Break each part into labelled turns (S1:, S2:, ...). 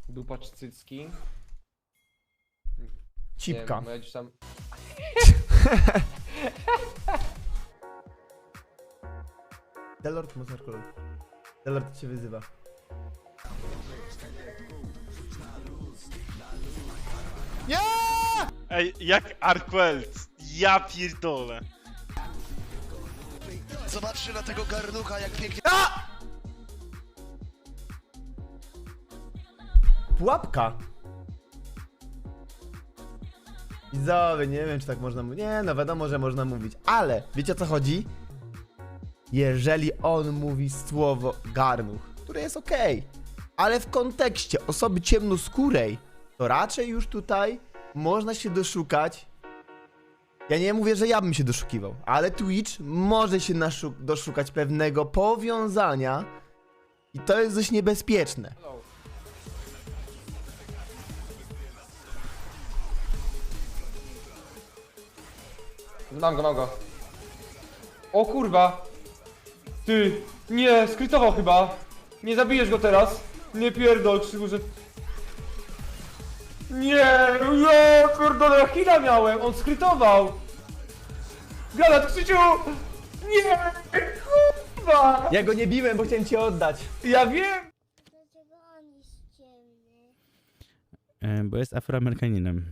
S1: Dupa czy cycki?
S2: Cipka.
S1: Nie, gdzieś tam...
S2: Delord Mozarkolog. Delord cię wyzywa. Nie!
S3: Ej, jak Arquelt. Ja pierdolę.
S4: Zobaczcie na tego garnucha, jak pięknie...
S2: Pułapka! Widzowie, nie wiem czy tak można mówić. Nie, no wiadomo, że można mówić. Ale, wiecie o co chodzi? Jeżeli on mówi słowo garnuch, które jest okej, ale w kontekście osoby ciemnoskórej, to raczej już tutaj można się doszukać. Ja nie mówię, że ja bym się doszukiwał, ale Twitch może się doszukać pewnego powiązania i to jest dość niebezpieczne.
S1: Mam go. O kurwa! Ty! Nie, skrytował chyba! Nie zabijesz go teraz! Nie pierdol, Krzyku, że... Nie, kurde, ja chwila miałem! On skrytował! Galat, Krzyciu! Nie! Kurwa!
S2: Ja go nie biłem, bo chciałem cię oddać.
S1: Ja wiem!
S5: Dlaczego on jest ciemny?
S6: Bo jest Afroamerykaninem.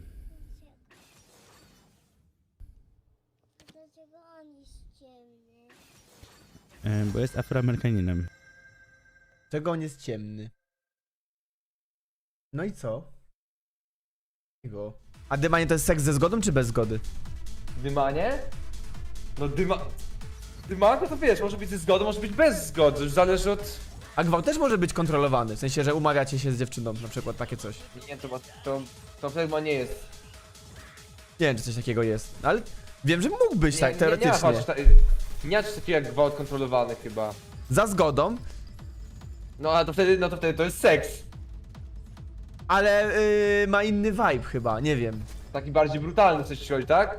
S5: Dlaczego on jest ciemny?
S6: Bo jest Afroamerykaninem.
S2: Czego on jest ciemny? No i co? Go. A dymanie to jest seks ze zgodą czy bez zgody?
S1: Dymanie? No dymanko to wiesz, może być ze zgodą, może być bez zgody, już zależy od...
S2: A gwałt też może być kontrolowany, w sensie, że umawiacie się z dziewczyną, na przykład takie coś.
S1: Nie, to chyba nie jest.
S2: Nie wiem, czy coś takiego jest, ale wiem, że mógł być tak,
S1: Nie
S2: teoretycznie.
S1: nie ma czegoś takiego jak gwałt kontrolowany chyba.
S2: Za zgodą,
S1: No a to wtedy to jest seks.
S2: ale ma inny vibe chyba, nie wiem.
S1: Taki bardziej brutalny coś ci chodzi, tak?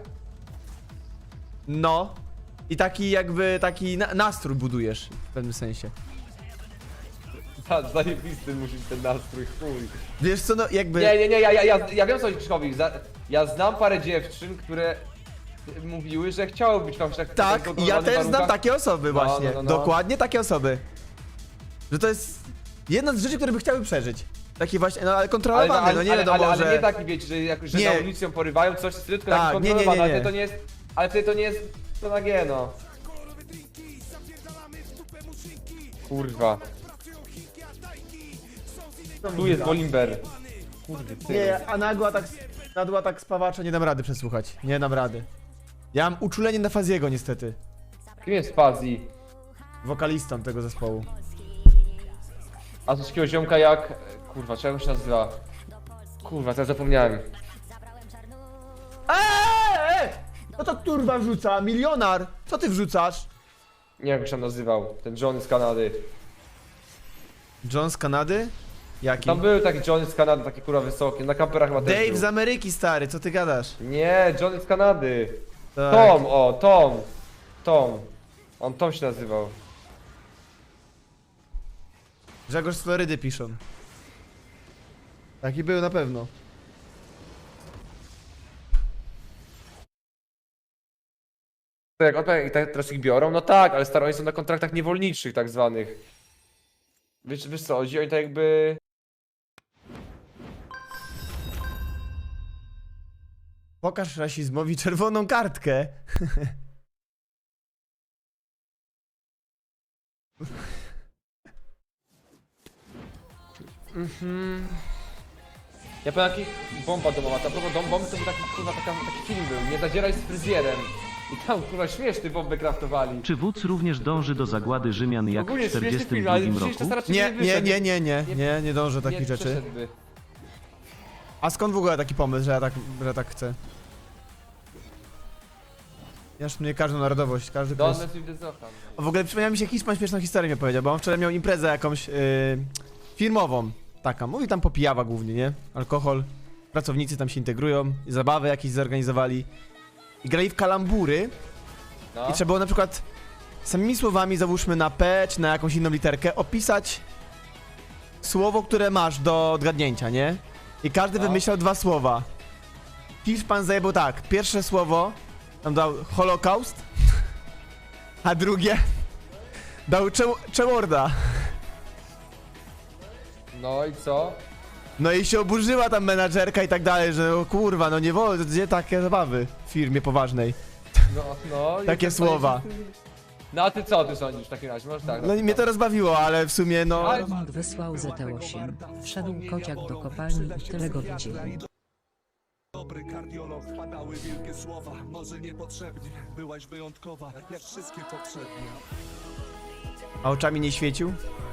S2: No. I taki jakby, taki nastrój budujesz w pewnym sensie.
S1: Zajebisty musi być ten nastrój, chuj.
S2: Wiesz co, no jakby...
S1: Nie, ja wiem co chodzi Krzysztofowi. Ja znam parę dziewczyn, które mówiły, że chciały być w
S2: Tak,
S1: tak
S2: i ja
S1: kontrolowanych
S2: też znam
S1: warunkach.
S2: takie osoby
S1: No,
S2: właśnie.
S1: no.
S2: Dokładnie takie osoby. Że to jest jedna z rzeczy, które by chciały przeżyć. Taki właśnie, no ale kontrolowany, no nie wiadomo,
S1: ale
S2: że...
S1: nie taki wiecie, że
S2: Nie.
S1: na ulicą porywają coś, tylko
S2: Tak,
S1: taki
S2: nie.
S1: kontrolowany, ale wtedy to nie jest... Ale wtedy to nie jest... To na G, no. Kurwa. Tu jest Bolimber. Kurde, ty.
S2: Nie, a nagła tak spawacza nie dam rady przesłuchać. Nie dam rady. Ja mam uczulenie na Faziego niestety.
S1: Kim jest Fazji?
S2: Wokalistą tego zespołu.
S1: A coś takiego ziomka jak... Kurwa, czego się nazywa? Kurwa, teraz zapomniałem.
S2: No to turba wrzuca, milionar! Co ty wrzucasz?
S1: Nie wiem jak się nazywał. Ten Johnny z Kanady.
S2: John z Kanady? Jaki?
S1: Tam był taki Johnny z Kanady, taki kurwa wysoki. Na kamperach chyba też
S2: Dave
S1: był.
S2: z Ameryki, stary, co ty gadasz?
S1: Nie, Johnny z Kanady.
S2: Tak.
S1: Tom. On Tom się nazywał.
S2: Grzegorz z Florydy piszą. Taki był na pewno.
S1: Tak, jak teraz ich biorą? No tak, ale staro, oni są na kontraktach niewolniczych tak zwanych. Wiesz co, chodzi? Oni tak jakby...
S2: Pokaż rasizmowi czerwoną kartkę.
S1: Ja powiem jaki bomba domowa, ta bomba to był taki kurwa taki film był, Nie zadzieraj z fryzjerem. I tam kurwa śmieszny bombę kraftowali.
S7: Czy wódz również dąży do zagłady Rzymian jak w
S1: Ogólnie śmieszny
S7: 42
S1: film, ale
S7: roku?
S1: przecież to raczej
S2: Nie,
S1: wyszedł.
S2: nie dążę do takich
S1: Nie
S2: rzeczy.
S1: przeszedłby.
S2: A skąd w ogóle taki pomysł, że ja tak chcę? Ja mnie każdą narodowość, każdy kraj.
S1: Donald with the Zohan.
S2: W ogóle przypomniał mi się Hiszpan śmieszną historię mi powiedział, bo on wczoraj miał imprezę jakąś firmową. Taka, mówi tam popijawa głównie, nie? Alkohol, pracownicy tam się integrują, zabawy jakieś zorganizowali. I grali w kalambury
S1: No.
S2: i trzeba było na przykład samymi słowami, załóżmy na P czy na jakąś inną literkę, opisać słowo, które masz do odgadnięcia, nie? I każdy
S1: No.
S2: wymyślał 2 słowa. Hiszpan zajebał tak, pierwsze słowo tam dał Holokaust, a drugie dał Czełorda.
S1: No i co?
S2: No i się oburzyła tam menadżerka i tak dalej, że o kurwa, no nie wolno, gdzie takie zabawy w firmie poważnej.
S1: No i
S2: Takie
S1: to
S2: słowa.
S1: No a ty co ty sądzisz w takim razie? Może tak.
S2: No i mnie to rozbawiło, ale w sumie no...
S1: Ale-
S8: Romak wysłał ZT8. Wszedł kociak do kopalni i tyle go widzieli.
S9: Dobry kardiolog, padały wielkie słowa. Może niepotrzebnie, byłaś wyjątkowa, jak wszystkie poprzednie.
S2: A oczami nie świecił?